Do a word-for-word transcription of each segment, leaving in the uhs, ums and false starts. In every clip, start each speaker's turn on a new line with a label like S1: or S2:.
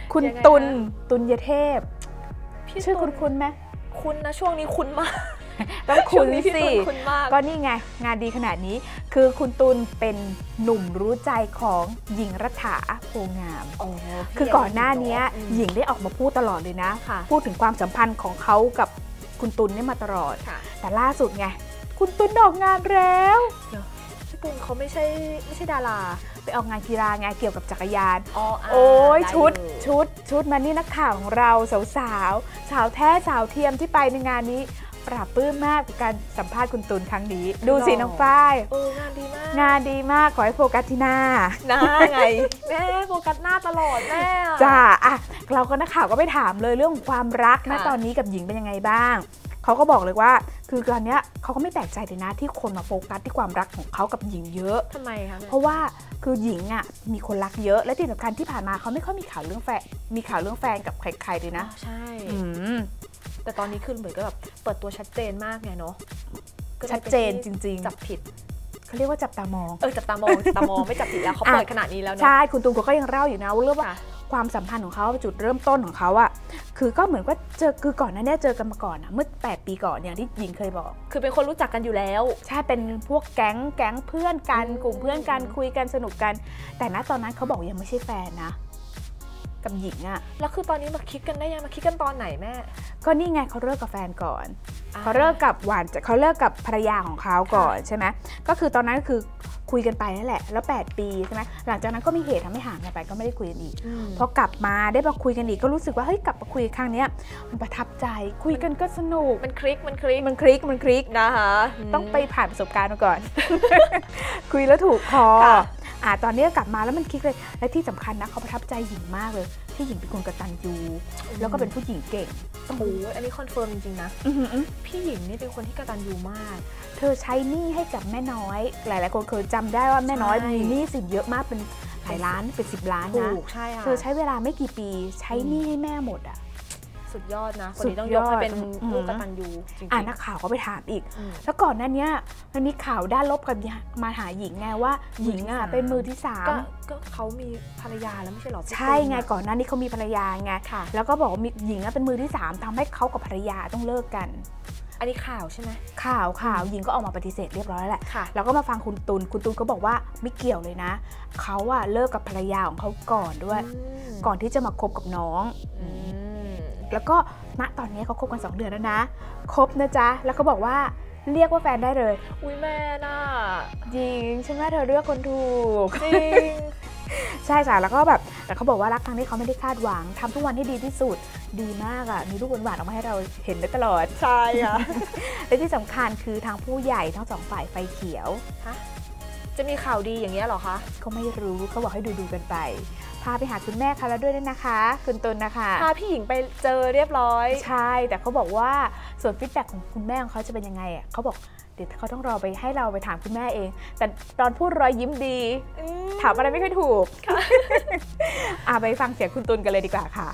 S1: คุณตุลตุลยเทพชื่อคุณคุณไหม
S2: คุณนะช่วงนี้คุณมาก
S1: ต้องคุณสิก็นี่ไงงานดีขนาดนี้คือคุณตุลเป็นหนุ่มรู้ใจของหญิงรัฐาโพงามคือก่อนหน้านี้หญิงได้ออกมาพูดตลอดเลยนะพูดถึงความสัมพันธ์ของเขากับคุณตุลนี่มาตลอดแต่ล่าสุดไงคุณตุลออกงานแล้ว
S2: พี่ตุลเขาไม่ใช่ไม่ใช่ดารา
S1: ไปออกงานกีฬาไงเกี่ยวกับจักรยานโอ้ยชุดชุดชุดมันนี่นักข่าวของเราสาวสาวสาวแท้สาวเทียมที่ไปในงานนี้ปราบปลื้มมากกับการสัมภาษณ์คุณตุลครั้งนี้ดูสิน้องฝ้าย
S2: เอองานดีมาก
S1: งานดีมากขอให้โฟกัสที่หน้า
S2: หน้าไงแม่โฟกัสหน้าตลอดแม่
S1: จ้าอ่ะเราก็นักข่าวก็ไปถามเลยเรื่องความรักนะตอนนี้กับหญิงเป็นยังไงบ้างเขาก็บอกเลยว่าคือตอนนี้เขาก็ไม่แปลกใจเลยนะที่คนมาโฟกัสที่ความรักของเขากับหญิงเยอะ
S2: ทำไมคะ
S1: เพราะว่าคือหญิงอ่ะมีคนรักเยอะและที่สำคัญที่ผ่านมาเขาไม่ค่อยมีข่าวเรื่องแฟนมีข่าวเรื่องแฟนกับใครๆเลยนะ
S2: ใช่แต่ตอนนี้คือเหมือนก็แบบเปิดตัวชัดเจนมากไงเนาะ
S1: ชัดเจนจริง
S2: ๆจับผิด
S1: เขาเรียกว่าจับตามอง
S2: เออจับตามองจับตามองไม่จับผิดแล้วเขาเปิดขนาดนี้แล้วเนาะ
S1: ใช่คุณตูนก็ยังเล่าอยู่นะว่าเรื่องว่าความสัมพันธ์ของเขาจุดเริ่มต้นของเขาอะคือก็เหมือนว่าเจอคือก่อนหน้านี้เจอกันมาก่อนอะเมื่อแปดปีก่อนอย่างที่หญิงเคยบอก
S2: คือเป็นคนรู้จักกันอยู่แล้ว
S1: ใช่เป็นพวกแก๊งแก๊งเพื่อนกันกลุ่มเพื่อนกันคุยกันสนุกกันแต่ณตอนนั้นเขาบอกยังไม่ใช่แฟนนะกับหญิงอะ
S2: แล้วคือตอนนี้มาคิดกันได้ยังมาคิดกันตอนไหนแม่
S1: ก็นี่ไงเขาเลิกกับแฟนก่อนเขาเลิกกับหวานเขาเลิกกับภรรยาของเขาก่อนใช่ไหมก็คือตอนนั้นคือคุยกันไปนั่นแหละแล้วแปดปีใช่ไหมหลังจากนั้นก็มีเหตุทำให้ห่างกันไปก็ไม่ได้คุยกันอีกพอกลับมาได้มาคุยกันอีกก็รู้สึกว่าเฮ้ยกลับมาคุยครั้งนี้มันประทับใจคุยกันก็สนุก
S2: มันคลิกมันคลิก
S1: มันคลิกมันคลิกนะคะต้องไปผ่านประสบการณ์มาก่อน คุยแล้วถูกคออ่าตอนนี้กลับมาแล้วมันคลิกเลยและที่สำคัญนะเขาประทับใจหญิงมากเลยที่หญิงเป็นคนกตัญญูแล้วก็เป็นผู้หญิงเก่ง
S2: โอ้โหอันนี้คอนเฟิร์มจริงๆนะพี่หญิงนี่เป็นคนที่กตัญญูมาก
S1: เธอใช้หนี้ให้กับแม่น้อยหลายๆคนเคยจำได้ว่าแม่น้อยมีหนี้สินเยอะมากเป็นหลายล้านเป็นสิบล้านนะเธอใช้เวลาไม่กี่ปีใช้หนี้ให้แม่หมดอ่ะ
S2: สุดยอดนะคนนี้ต้องยกให้เป็นผู้กตัญญูจริงๆ
S1: อ่านักข่าวก็ไปถามอีกแล้วก่อนหน้านี้มันมีข่าวด้านลบกันมาหาหญิงไงว่าหญิงอ่ะเป็นมือที่สาม
S2: ก็เขามีภรรยาแล้วไม่ใช่หรอ
S1: ใช่ไงก่อนหน้านี้เขามีภรรยาไงแล้วก็บอกว่าหญิงเป็นมือที่สามทำให้เขากับภรรยาต้องเลิกกัน
S2: อันนี้ข่าวใช่ไหม
S1: ข่าวข่าวหญิงก็ออกมาปฏิเสธเรียบร้อยแล้วแหละแล้วก็มาฟังคุณตุลคุณตุลก็บอกว่าไม่เกี่ยวเลยนะเขาอะเลิกกับภรรยาของเขาก่อนด้วยก่อนที่จะมาคบกับน้องแล้วก็ณตอนนี้เขาคบกันสองเดือนแล้วนะคบนะจ๊ะแล้วก็บอกว่าเรียกว่าแฟนได้เลย
S2: อุ้ยแม่น่ะ
S1: จริงใช่ไหมเธอเลือกคนถูก
S2: จริง
S1: ใช่จ้ะแล้วก็แบบแต่เขาบอกว่ารักครั้งนี้เขาไม่ได้คาดหวังทำทุกวันให้ดีที่สุดดีมากอ่ะมีรูปหวานๆออกมาให้เราเห็นได้ตลอด
S2: ใช่ค่ะ
S1: และที่สำคัญคือทางผู้ใหญ่ทั้งสองฝ่ายไฟเขียว
S2: ฮะจะมีข่าวดีอย่างเงี้ยหรอคะ
S1: เขาไม่รู้เขาบอกให้ดูดูกันไปพาไปหาคุณแม่เขาแล้วด้วยนะคะคุณตุลนะคะ
S2: พาพี่หญิงไปเจอเรียบร้อย
S1: ใช่แต่เขาบอกว่าส่วนฟีดแบ็กของคุณแม่ของเขาจะเป็นยังไงอ่ะเขาบอกเดี๋ยวเขาต้องรอไปให้เราไปถามคุณแม่เองแต่ตอนพูดรอยยิ้มดีถามอะไรไม่ค่อยถูกอ่ะไปฟังเสียงคุณตุลกันเลยดีกว่าค่ะ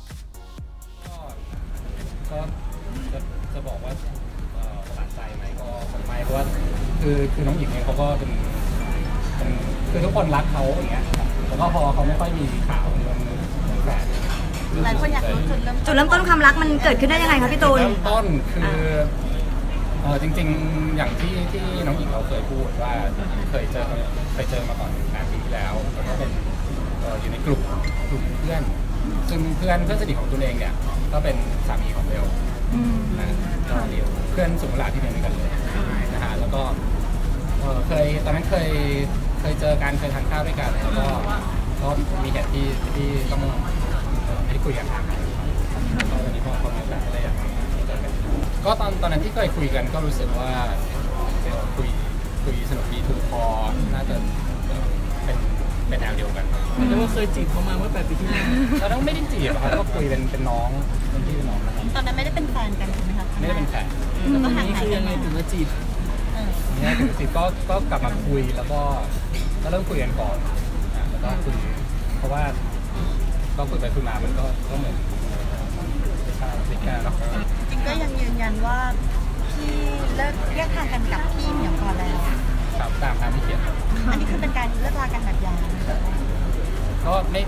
S3: ก็จะจะบอกว่าประหลาดใจไหมก็ไม่เพราะว่าคือคือน้องหญิงเนี่ยเขาก็เป็นคือทุกคนรักเขาอย่างเงี้ยแล้วก็พอเขาไม่ค่อยมีข่าวมันแปลก
S4: หลายคนอยากรู้จุดเริ่มจุดเริ่มต้นความรักมันเกิดขึ้นได้ยังไงคะพี่ตูน
S3: เริ่มต้นคือเออจริงๆอย่างที่ที่น้องหญิงเราเคยพูดว่าเคยเจอเคยเจอมาก่อนงานปีที่แล้วแล้วก็เป็นอยู่ในกลุ่มกลุ่มเพื่อนซึ่งเพื่อนเพื่อนสนิทของตัวเองเนี่ยก็เป็นสามีของเบลนะก็เรียกเพื่อนสุขลาที่เรียนด้วยกันเลยนะฮะแล้วก็เคยตอนนั้นเคยเคยเจอกันเคยทานข้าวด้วยกันแล้วก็ก็มีเหตุที่ที่ต้องให้คุยกันทางแล้วก็วันนี้พอเขามาแบบอะไรอย่างก็ตอนตอนนั้นที่เคยคุยกันก็รู้สึกว่าคุยคุยสนุกดีถูกคอน่าจะเป็นเป็นแนวเดียวกัน
S5: แต่ว่าเคยจีบเขามาเมื่อแปดปีที่แล้ว
S3: เราต้องไม่ได้จีบครับก็คุยเป็นเป็นน้องเป็นพี่เป็นน้องนะครับ
S4: ตอนนั้นไม่ได้เป็นแฟนกันใช่ไหมคะ
S3: ไม่ได้เป็นแฟน
S4: แล้วก็ห่าง
S5: หายกันยังไงถึงมาจีบ
S3: เนี่ยถึงจีบก็ก็กลับมาคุยแล้วก็ก็เริ่มคุยกันก่อนแล้วก็คุยเพราะว่าก็คุยไปคุยมามันก็ก็เหมือนติดกันเนาะ
S4: จริงก็ยังยืนยันว่าพี่เลิกแยกทางกันกับพี่เหมียวก่อนแล้ว
S3: ครับตามตามที่เขียน
S4: อันนี้คือเป็นการเลิกลากันแบบยาว
S3: ก็ไม่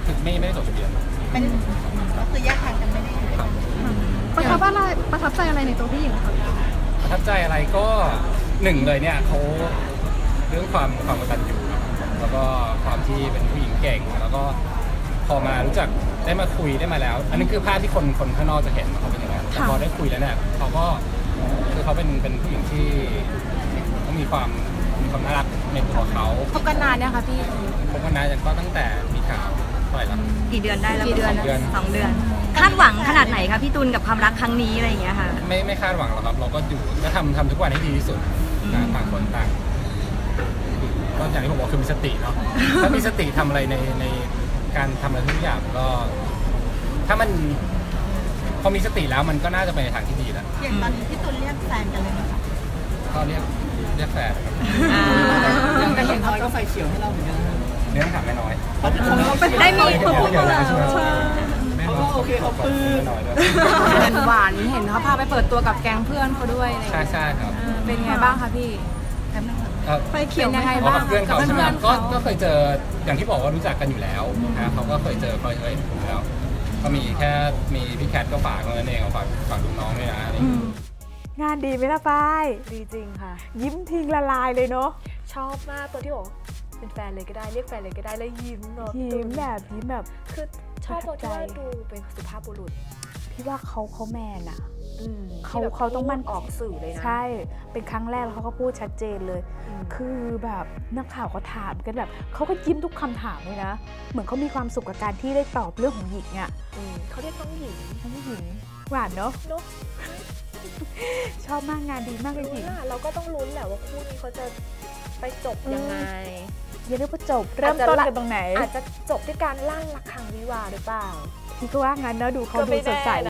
S3: คือไม่ไม่ได้จดทะเบียน
S4: เป็นก็คือแยกทางกันไม่ได้อยู่ด้วยกัน
S6: ประทับอะไรประทับใจอะไรในตัวพี่หญิงคะ
S3: ประทับใจอะไรก็หนึ่งเลยเนี่ยเขาเรื่องความความกตัญญูแล้วก็ความที่เป็นผู้หญิงเก่งแล้วก็พอมารู้จักได้มาคุยได้มาแล้ว อันนี้คือภาพที่คนคนข้างนอกจะเห็นเขาเป็นอย่างนั้นแต่พอได้คุยแล้วเนี่ยเขาก็คือเขาเป็นเป็นผู้หญิงที่เขามีความมีความน่ารักในตัวเขา
S2: คบกันนานเนี่ยค่ะพี่
S3: คบกันนานก็ตั้งแต่มีข่าวเท่าไหร่ละ
S7: กี่เดือนได้แล้ว
S2: กี่เดือน
S3: สองเดือน
S7: สองเดือน คาดหวังขนาดไหนคะพี่ตุลกับความรักครั้งนี้อะไรอย่างเงี้ยค่ะ
S3: ไม่ไม่คาดหวังหรอกครับ เราก็อยู่ก็ทำทำทุกวันให้ดีที่สุดนะต่างคนต่างก็อย่างที่ผมบอกคือมีสติเนาะถ้ามีสติทำอะไรในในการทำอะไรทุกอย่างก็ ถ้ามันพอมีสติแล้วมันก็น่าจะไปในทางที่ดีแล้ว
S4: อย่างตอนนี้พี่ตุลเรียกแฟนกันเลยไหมคะ
S3: ก็เรียกเรียกแฟนครับ
S5: แต่เห็นเขาก็ไฟเขียวให้เราเหมือนกันนะ
S3: เรื่องถามแม่น้อย
S7: ได้มี
S3: เดี๋ยวเดี๋ยวนะช่วยแม่น้อย
S5: โอเคเขาปลื้ม
S3: แม่น้อยด้วย
S2: เป็นหวานเห็นเขาพาไปเปิดตัวกับแก๊งเพื่อนเขาด้วยอะไรอย่าง
S3: ใช่
S2: เงี้ย
S3: ใช่ครับ
S2: เป็นไงบ้างคะพี่
S3: เอ่อ
S2: ไปเขียวยังไง
S3: อ๋อ
S2: บ้าง
S3: กับเพื่อนเขาใช่ไหม
S2: กับ
S3: ก็
S2: เพื่อนเขา
S3: ก็เคยเจออย่างที่บอกว่ารู้จักกันอยู่แล้วนะเขาก็เคยเจอเคยเคยเห็นผมแล้ว ก็มีแค่มีพี่แคทก็ฝากเท่านั้นเองฝากฝากลูกน้องด้วยนะอะไรอย่างเงี้ย
S1: งานดีไหมล่ะฝ้าย
S2: ดีจริงค่ะ
S1: ยิ้มทิ้งละลายเลยเนาะ
S2: ชอบมากตัวที่บอกเป็นแฟนเลยก็ได้เรียกแฟนเลยก็ได้แล้วยิ้มเนาะ
S1: ยิ้มแบบยิ้มแบบ
S2: คือชอบตัวที่ว่า
S1: ประทับใจ
S2: ดูเป็นสุภาพบุรุษ
S1: พี่ว่าเขาเขาแมนอะ
S2: อืม
S1: เขา
S2: ที่แบบ
S1: เขาต้องมั่น
S2: ออกสื่อเลยนะ
S1: ใช่ เป็นครั้งแรกแล้วเขาก็พูดชัดเจนเลย
S2: อืม
S1: คือแบบนักข่าวเขาถามกันแบบเขาก็ยิ้มทุกคำถามเลยนะ เหมือนเขามีความสุขกับการที่ได้ตอบเรื่องของหญิงอะ
S2: อืมเขาเรียกน้องหญิง
S1: ทั้งหญิงหวานเนาะ
S2: เนอะ
S1: ชอบมากงานดีมากเลยหญิง
S2: น่ะเราก็ต้องลุ้นแหละว่าคู่นี้เขาจะไปจบยังไง
S1: อย่าเรียกว่าจบ เริ่มต้นกันตรงไหน
S2: อาจจะจบด้วยการลั่นระฆังวิวาห์หรือเปล่า
S1: พี่ก็ว่างั้นเนอะดูเขา
S2: ก็
S1: ดู
S2: ไม่
S1: ส
S2: แน่
S1: ดใส